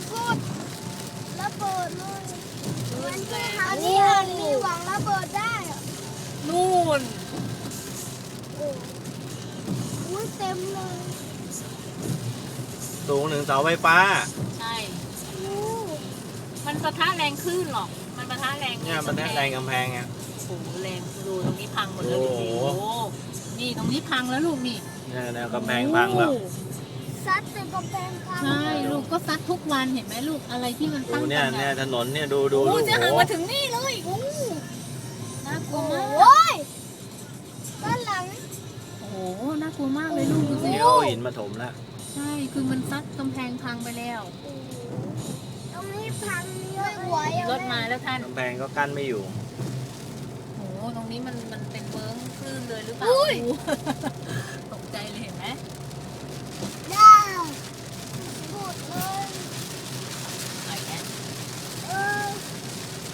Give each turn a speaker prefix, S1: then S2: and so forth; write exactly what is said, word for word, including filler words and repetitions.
S1: กุดระเบิดเลยอันนี้
S2: โอ้
S1: อันนี้อันนี้หวังระเบิดได้อะ
S2: นู่น
S1: โอ้อุ้ยเต็มเลย
S3: สูงถึงเสาไฟฟ้า
S2: ใช่
S1: โอ้
S2: มันปะทะแรงคลื่นหรอก มันปะทะแรง
S3: เนี่ยมันได้แรงกำแพงไง
S2: โอ้โหแรงดูตรงนี้พังหมดเลย
S3: โอ้โห
S2: โอ้โหนี่ตรงนี้พังแล้วลูกนี่
S3: เนี่ยแนวกำแพงพังแล้ว
S2: โอ้
S1: ซัดใส่กำแพงพัง
S2: ใช่ลูกก็ซัดทุกวันเห็นไหมลูกอะไรที่มัน
S3: ดู
S2: ตั้ง
S3: เนี่ย
S2: กัน
S3: เนี่ย
S2: อะ
S3: ถนนเนี่ยดูดู
S2: โอ้
S3: ดู
S2: จะหัน
S3: โอ้
S2: มาถึงนี่เลยโอ้น่ากลัว
S1: โอ้
S2: มาก
S1: ยด้านหลัง
S2: โอ้โหน่ากลัวมากเลยลูกดูสิ
S3: นี่เอาหินมาถมแล้ว
S2: ใช่คือมันซัดกำแพงพังไปแล้ว
S1: ตรงนี้พังเยอะไหวอะ
S2: รถมาแล้วท่าน
S3: กำแพงก็กั้นไม่อยู่
S2: โอ้โหตรงนี้มันมันเป็นเวิ้งคลื่นเลยหรือเปล่าตกใจเลยเห็นไหม